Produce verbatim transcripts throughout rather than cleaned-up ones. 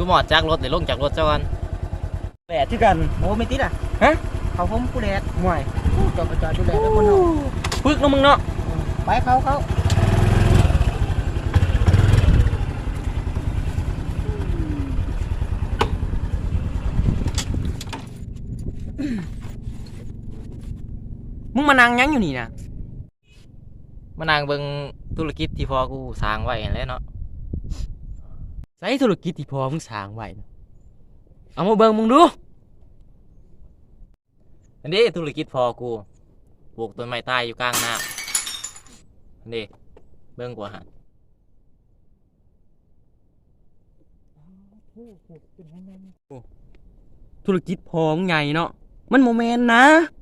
มอดจากรถหรือลงจากรถเจ้ากันแดดที่กันโอ้ไม่ติดอ่ะฮะเขาผมกูแดดห่วยจอดจอดดูแดดแล้วคนเนาะปึกน้องมึงเนาะไปเขาเขามึงมานั่งยังอยู่นี่นะมานางเบิ่งธุรกิจที่พ่อกูสร้างไว้แล้วเนาะใช้ธุรกิจที่พ่อมึงสร้างไว้เอามาเบิ่งมึงดูอันนี้ธุรกิจพ่อกูปลูกต้นไม้ใต้อยู่กลางน้ำอันนี้เบิ่งกว่าหันธุรกิจพ่อมึงใหญ่เนาะมันโมเมนต์นะ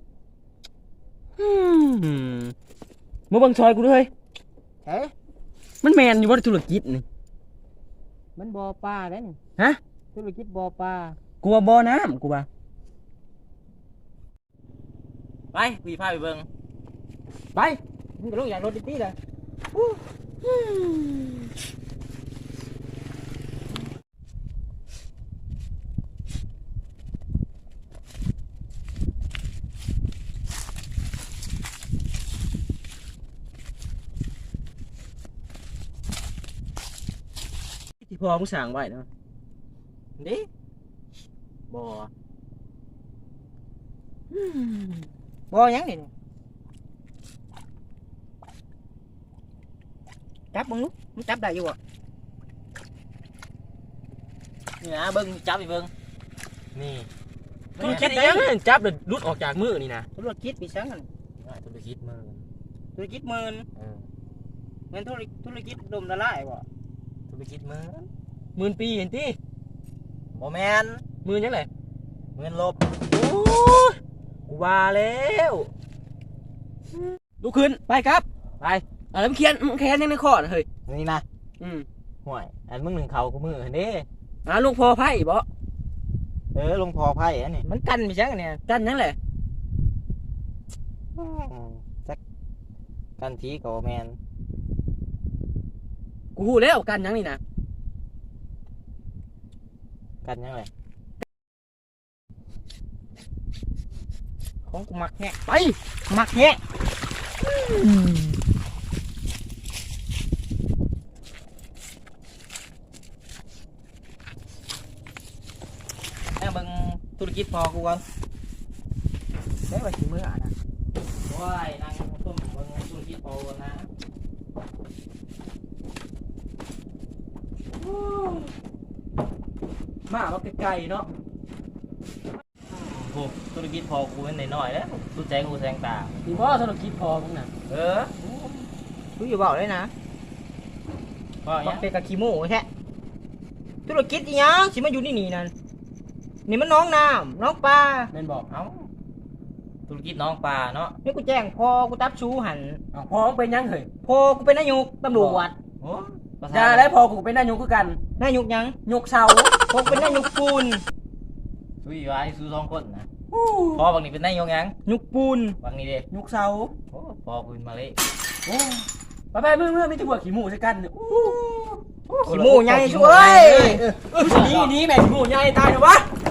มาบังซอยกูด้วยเฮ้มันแมนอยู่ว่าธุรกิจนี่มันบ่อปลาได้นี่ฮะธุรกิจบ่อปลากูว่าบ่อน้ำกูว่าไปวีพาไปเบิ่งไปมึงก็ลงอย่างรถดิตี้เลยที่พ่อมึงสร้างไว้เนาะนี่บ่บ่ยังนี่จับมึงลูกมึงจับได้อยู่อ่ะนี่นะเบิ่งจับไปเบิ่งนี่ธุรกิจยังจับเดือดรุดออกจากมือนี่นะธุรกิจปีสังกันธุรกิจมือธุรกิจเมินเงินธุรธุรกิจดมละลายบ่ธุรกิจมือหมื่นปีเห็นที่โมแมนหมื่นยังไงหมื่นลบโอ้กูว่าแล้วลุกขึ้นไปครับไปอะไรมึงเขียนมึงเขียนยังในข้อนะเฮ้ยนี่นะอืมห่วยอันมึงหนึ่งเขากูมือเห็นดิอ่าลุงพอไพ่บ่เออลุงพอไพ่อันนี้มันกันไปจังเนี่ยกันนั่นแหละจักกันทีกับแมนกูหูแล้วกันยังนี่นะกันยังไงของกูมักแงะไปมักแงะแม่เบิ่งธุรกิจพอกูก่อนได้ไว้ถึงมื้ออ่ะนะว้ายนั่งต้มเบิ่งธุรกิจพอก่อนนะมาว่าไกลๆเนาะโอ้ธุรกิจพอกูเป็นน้อยๆแล้วดูใจกูแสงตาดีพ่อธุรกิจพอมึงน่ะเออกูอยู่บอกเลยนะว่าเป็นกะขี้โม่แท้ธุรกิจอีหยังสิมาอยู่นี่นี่นั่นนี่มันน้องน้ำน้องปลาแม่นบอกเอ้าธุรกิจน้องปลาเนาะนี่กูแจ้งพอกูตับชูหันพอมึงเป็นยังเหรอพอกูเป็นนายกตำรวจโอ้ยาแล้วพอกูเป็นนายกคือกันนายกยังยกเสาพอเป็นนายกปูนสู้อยู่ไอ้สู้สองคนนะพอบางนี้เป็นนายกยังยกปูนบางนี้เด้ยกเสาโอ้พอปืนมาเลยโอ้ไปไปเมื่อเมื่อไม่จะบวกขี้หมูใช่กันโอ้ขี้หมูใหญ่ช่วยนี่นี่แม่ขี้หมูใหญ่ตายเหรอวะ